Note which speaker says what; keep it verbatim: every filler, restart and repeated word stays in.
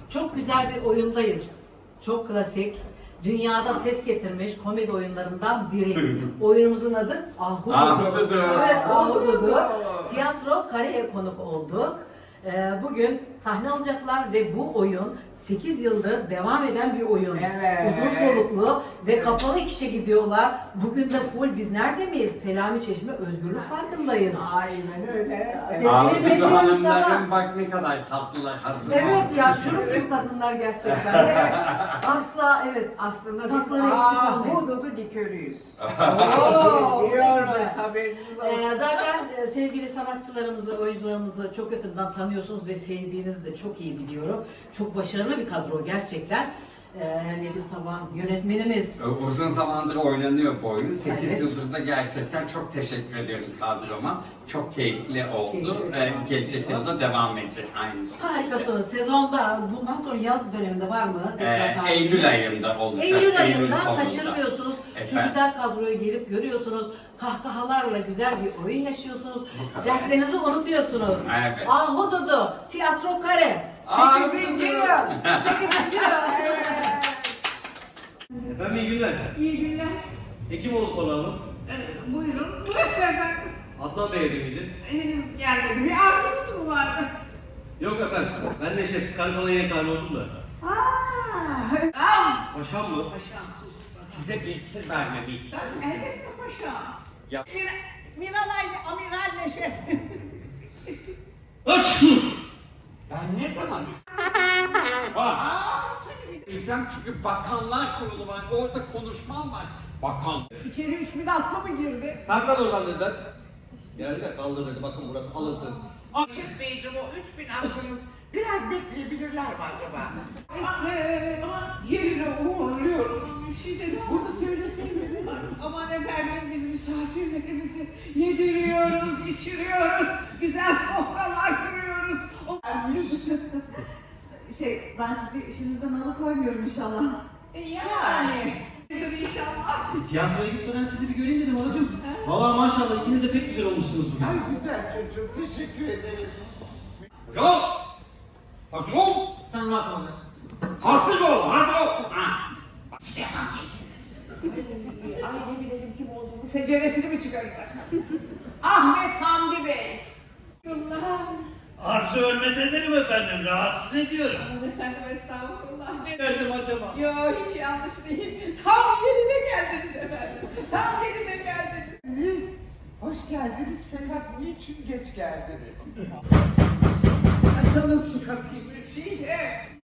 Speaker 1: Çok güzel bir oyundayız. Çok klasik. Dünyada ses getirmiş komedi oyunlarından biri. Oyunumuzun adı Ahududu.
Speaker 2: Ahududu.
Speaker 1: Evet, Ahududu. Tiyatro Kare'ye konuk olduk. Ee, Bugün sahne alacaklar ve bu oyun sekiz yıldır devam eden bir oyun.
Speaker 3: Evet.
Speaker 1: Uzun soluklu ve kapalı işe gidiyorlar. Bugün de full biz nerede miyiz? Selami Çeşme Özgürlük Parkı'ndayız.
Speaker 3: Aynen öyle.
Speaker 1: Sevgili
Speaker 2: Ahududu
Speaker 1: bekliyoruz
Speaker 2: hanımların
Speaker 1: ama-
Speaker 2: bak ne kadar tatlılar hazır.
Speaker 1: Evet ya şurup gibi kadınlar gerçekten. Evet. Asla evet.
Speaker 3: Aslında biz
Speaker 1: Tatları eksik olmayın.
Speaker 3: ahududu likörüyüz.
Speaker 1: Oo, ne
Speaker 3: Biliyoruz,
Speaker 1: güzel.
Speaker 3: haberiniz olsun.
Speaker 1: Ee, zaten e, sevgili sanatçılarımızı, oyuncularımızı çok yakından tanıyorsunuz ve sevdiğinizi de çok iyi biliyorum. Çok başarılı bir kadro gerçekten. Ee, Nedim Saban yönetmenimiz.
Speaker 2: Uzun zamandır oynanıyor bu oyun. sekiz
Speaker 1: Evet.
Speaker 2: yıldır da gerçekten çok teşekkür ediyorum kadroma. Çok keyifli oldu.
Speaker 1: Keyifli.
Speaker 2: Ee, gelecek yılda devam edecek aynı şey.
Speaker 1: Harikasınız. Sezonda bundan sonra yaz döneminde var mı?
Speaker 2: Ee,
Speaker 1: takip-
Speaker 2: Eylül ayında olacak.
Speaker 1: Eylül ayında
Speaker 2: sonunda.
Speaker 1: kaçırmıyorsunuz. Şu
Speaker 2: Efendim?
Speaker 1: güzel kadroyu gelip görüyorsunuz. Kahkahalarla güzel bir oyun yaşıyorsunuz.
Speaker 2: Bu kadar.
Speaker 1: Dertlerinizi unutuyorsunuz.
Speaker 2: Evet.
Speaker 1: Ahududu, Tiyatro Kare.
Speaker 3: Sekizinci yıl.
Speaker 1: sekizinci yıl.
Speaker 4: Efendim iyi günler.
Speaker 5: İyi günler.
Speaker 4: Hekimoğlu konağım.
Speaker 5: Ee, buyurun. Burası efendim.
Speaker 4: Adnan Bey evi miydi?
Speaker 5: Henüz gelmedi. Bir arzunuz mu vardı?
Speaker 4: Yok efendim. Ben de şey Karakola yemekhane oldum da.
Speaker 5: Aaa. Am.
Speaker 4: Paşam mı?
Speaker 5: Paşam.
Speaker 2: Size bir sır vermemi ister misiniz?
Speaker 5: Evet paşam.
Speaker 2: Ya-
Speaker 5: Bir, Miralay Amiral Neşet.
Speaker 4: Aç!
Speaker 2: Ben ne zaman Aa! Diyeceğim çünkü bakanlar kurulu var. Orada konuşmam var. Bakan.
Speaker 5: İçeri üç bin atlı mı girdi?
Speaker 4: Kalk lan oradan dediler. Geldiler kaldır dedi. Bakın burası alıntı.
Speaker 6: Neşet Beyciğim o üç bin aklınız biraz bekleyebilirler mi acaba?
Speaker 5: Neyse.
Speaker 6: Yerine uğurluyoruz.
Speaker 5: Bir şey dedi.
Speaker 6: Burada söyleseydim.
Speaker 5: Aman efendim biz misafirlerimizi yediriyoruz, içiriyoruz. Güzel sofralar kuruyoruz. O-
Speaker 7: Şey, ben sizi işinizden alıkoymuyorum inşallah.
Speaker 5: Yani. İnşallah.
Speaker 4: Tiyatroya gitmeden sizi bir göreyim dedim halacığım. Valla maşallah ikiniz de pek güzel olmuşsunuz bugün.
Speaker 6: Ay güzel çocuğum teşekkür ederiz.
Speaker 2: Rahat! Hazır ol!
Speaker 4: Sen rahat ol.
Speaker 2: Hazır ol! Hazır ol! Ha.
Speaker 5: Ay ne bilelim kim olduğunu, seceresini mi çıkaracak? Ahmet Hamdi Bey. Allah.
Speaker 4: Arzu hürmet ederim efendim. Rahatsız ediyorum.
Speaker 5: Aman efendim estağfurullah.
Speaker 4: Geldim acaba.
Speaker 5: Yo hiç yanlış değil. Tam yerine geldiniz efendim. Tam yerine geldiniz.
Speaker 6: Siz hoş geldiniz fakat niçin geç geldiniz?
Speaker 5: Açalım şu kapıyı bir şeyle.